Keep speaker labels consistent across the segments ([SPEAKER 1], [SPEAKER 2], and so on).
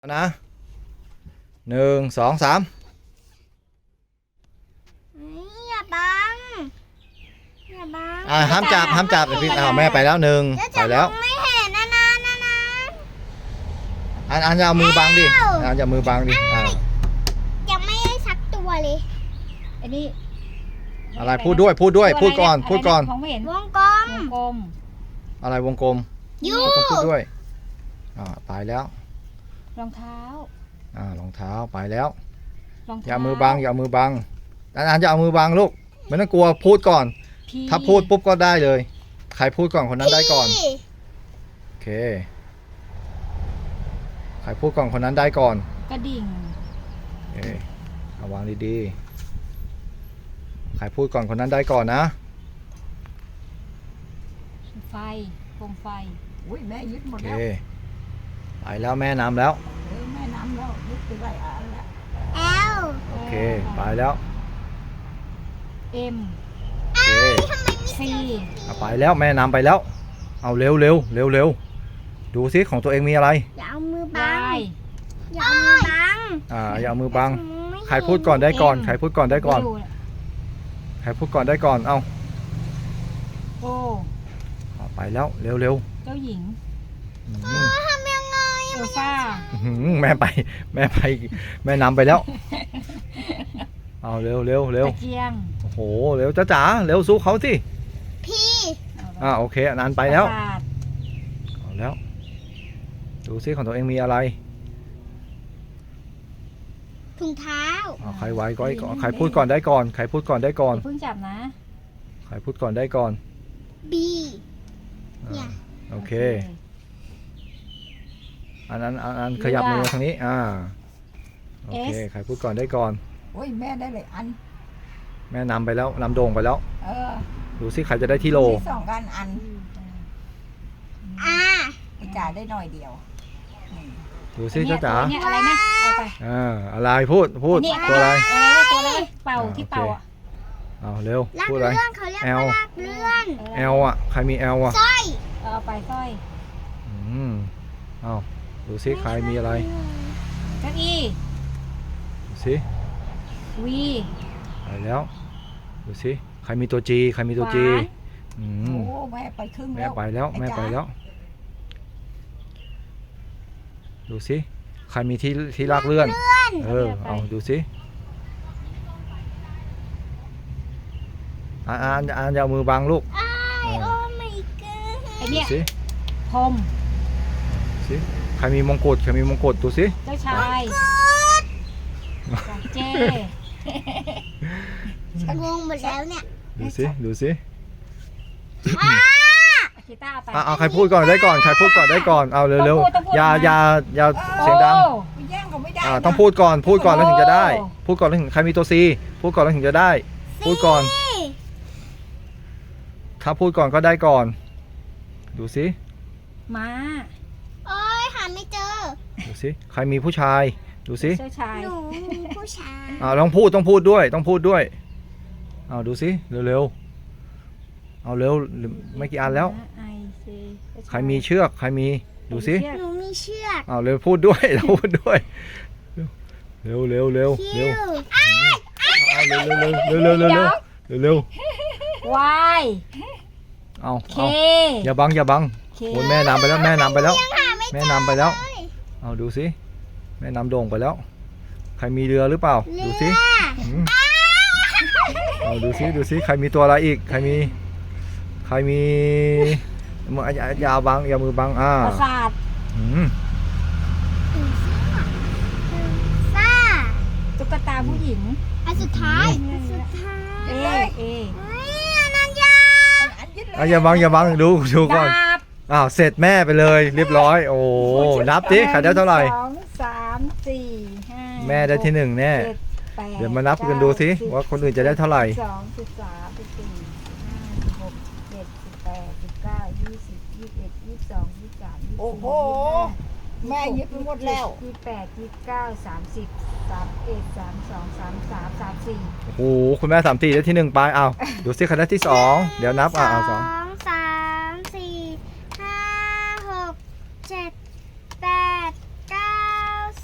[SPEAKER 1] นะ1 2 3
[SPEAKER 2] อย่าบังอย่าบัง
[SPEAKER 1] ห้ามจับพี่แม่ไปแล้วไปแล้ว
[SPEAKER 2] ไม่เห็นนะ
[SPEAKER 1] อันจะเอามือบังดิอันจะมือบังดิ
[SPEAKER 2] ยังไม่ได้สักตัวเลย
[SPEAKER 3] อันนี้
[SPEAKER 1] อะไรพูดด้วยพูดก่อน
[SPEAKER 3] มองไม่เห็น
[SPEAKER 2] วงกลม
[SPEAKER 1] อะไรวงกลมต้องพูดด้วยไปแล้ว
[SPEAKER 3] รองเท้าร
[SPEAKER 1] องเท้าไปแล้วอย่ามือบังอันจะเอามือบังลูกไม่ต้องกลัวพูดก่อนถ้าพูดปุ๊บก็ได้เลยใครพูดก่อนคนนั้นได้ก่อนโอเคใครพูดก่อนคนนั้นได้ก่อน
[SPEAKER 3] กระดิ่ง
[SPEAKER 1] เอาวางดีๆใครพูดก่อนคนนั้นได้ก่อนนะ
[SPEAKER 3] ไฟโคมไฟ
[SPEAKER 4] อุ้ยแม่ยึดหมด
[SPEAKER 1] โอเค
[SPEAKER 4] แล้ว
[SPEAKER 1] ไปแล้วแม่นำแล้ว
[SPEAKER 4] แม่น้ำแล้วยึดไปไว้แล้ว
[SPEAKER 1] โอเคไปแล้ว
[SPEAKER 3] เอ็ม
[SPEAKER 1] โอเค
[SPEAKER 3] ซี
[SPEAKER 1] ไปแล้วแม่นำไปแล้วเอาเร็วดูซิของตัวเองมีอะไร
[SPEAKER 2] อย่าเอามือบังอย่าเอามือบัง
[SPEAKER 1] อย่าเอามือบังใครพูดก่อนได้ก่อนใครพูดก่อนได้ก่อนใครพูดก่อนได้ก่อนเอา
[SPEAKER 3] โอ้
[SPEAKER 1] ไปแล้วเร็ว
[SPEAKER 3] เจ้าหญิง
[SPEAKER 2] ทำยังไง
[SPEAKER 3] เอลซ่า
[SPEAKER 1] แม่ไปแม่นำไปแล้วเอาเร็ว
[SPEAKER 3] ตะเกียง
[SPEAKER 1] โอ้โหเร็วจ๋าเร็วสู้เขาสิ
[SPEAKER 2] พี่
[SPEAKER 1] โอเคอันนั้นไปแล้วเอาแล้วดูซิของตัวเองมีอะไร
[SPEAKER 2] ถุงเท้า
[SPEAKER 1] ใครไว้ก็ใครพูดก่อนได้ก่อนใครพูดก่อนได้ก่อน
[SPEAKER 3] เพิ่งจับนะ
[SPEAKER 1] ใครพูดก่อนได้ก่อน
[SPEAKER 2] บี
[SPEAKER 1] โอเคอันนั้นขยับมือทางนี้โอเคใครพูดก่อนได้ก่อน
[SPEAKER 4] โอ้ยแม่ได้เลยอัน
[SPEAKER 1] แม่นำไปแล้วนำโด่งไปแล้วดูซิใครจะได้ที่โล
[SPEAKER 4] 2 อันจ่าได้หน่อยเดียว
[SPEAKER 1] ดูซิเจ้าจ๋า
[SPEAKER 3] อะไรนะเอาไป
[SPEAKER 1] อะไรพูดตัวอะไร
[SPEAKER 3] ตัวอะไรเป่าที่เป่า
[SPEAKER 1] เอาเร็วพูดอะไร
[SPEAKER 2] แอล
[SPEAKER 1] ใครมีแอล
[SPEAKER 2] สร้อย
[SPEAKER 3] เอาไปสร้อย
[SPEAKER 1] เอาดูซิใครมีอะไร
[SPEAKER 3] เก้าอี้
[SPEAKER 1] ดูซิ
[SPEAKER 3] วี
[SPEAKER 1] ไปแล้วดูซิใครมีตัวจี
[SPEAKER 4] โอ้แม่ไปครึ่งแล้ว
[SPEAKER 1] แม่ไปแล้วดูซิใครมีที่ลากเลื่อนเอาดูซิอ่านอย่ามือบังลูก
[SPEAKER 3] ดู
[SPEAKER 1] ซิ
[SPEAKER 3] พรม
[SPEAKER 1] ซิใครมีมงกุฎดูซิ
[SPEAKER 3] เจ้าชายเจ
[SPEAKER 2] งงหมดแล้วเนี่ย
[SPEAKER 1] ดูซิ
[SPEAKER 3] กีตาร์ไป
[SPEAKER 1] เอาใครพูดก่อนได้ก่อนใครพูดก่อนได้ก่อนเอาเร็วอย่าเสียงดังต้องพูดก่อนแล้วถึงจะได้พูดก่อนแล้วถึงใครมีตัวซีพูดก่อนแล้วถึงจะได้พูดก่อนถ้าพูดก่อนก็ได้ก่อนดูซิ
[SPEAKER 3] ม้า
[SPEAKER 2] โอ้ยหาไม่เจอ
[SPEAKER 1] ดูซิใครมีผู้ชายดูซิ
[SPEAKER 3] เจ้าชาย
[SPEAKER 2] หนูมีผู้ชาย
[SPEAKER 1] ต้องพูดด้วยเอาดูซิเร็วเอาเร็วไม่กี่อันแล้วใครมีเชือกใครมีดูซิ
[SPEAKER 2] หนูมีเชือก
[SPEAKER 1] เร็วพูดด้วยเร็วเร็ว
[SPEAKER 3] วาย
[SPEAKER 1] เอาอย่าบังโอ้แม่นำไปแล้วเอาดูซิแม่นำโด่งไปแล้วใครมีเรือหรือเปล่าดูซิเอาดูซิใครมีตัวอะไรอีกใครมีมืออย่าบังอย่ามือบัง
[SPEAKER 3] ประสาทตุ๊กตาผู้หญิง
[SPEAKER 2] อันสุดท้าย
[SPEAKER 1] นั่นอย่าบังดูก่อนเสร็จแม่ไปเลยเรียบร้อยโอ้นับดิใครได้เท่าไหร่
[SPEAKER 3] 2 3 4 5
[SPEAKER 1] แม่ได้ที่1แน่เดี๋ยวมานับกันดูสิว่าคนอื่นจะได้เท่าไหร่
[SPEAKER 3] 12 13 14 15 16 17 18 19 20 21 22 23 24
[SPEAKER 4] โอ้โหแม่ยึดไปหมดแล้ว
[SPEAKER 3] 28 29 30 31 32 33 34
[SPEAKER 1] โอ้โหคุณแม่34ได้ที่1ไปดูสิใครได้ที่2เดี๋ยวนับ2
[SPEAKER 2] 3 4 5 6 7 8 9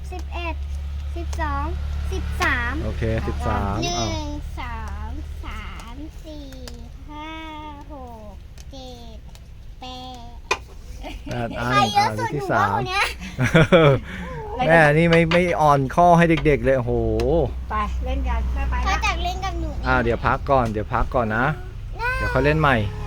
[SPEAKER 2] 11 12 13
[SPEAKER 1] โอเค 13
[SPEAKER 2] หนึ่
[SPEAKER 1] อ้าว
[SPEAKER 2] งสองสามสี่ห้าหกเจ็ดแปด
[SPEAKER 1] 8 อัน
[SPEAKER 2] ใครเยอะสุด
[SPEAKER 1] ที่
[SPEAKER 2] หนูว่าคน
[SPEAKER 1] 3
[SPEAKER 2] เนี้ย
[SPEAKER 1] แม่นี่ไม่อ่อนข้อให้เด็กๆเลยโอ้โห
[SPEAKER 3] ไปเล่นกันไป
[SPEAKER 2] เขา
[SPEAKER 3] นะ
[SPEAKER 2] จากเล่นกับหนู
[SPEAKER 1] เดี๋ยวพักก่อนนะ เดี๋ยวค่อยเล่นใหม่
[SPEAKER 2] ไ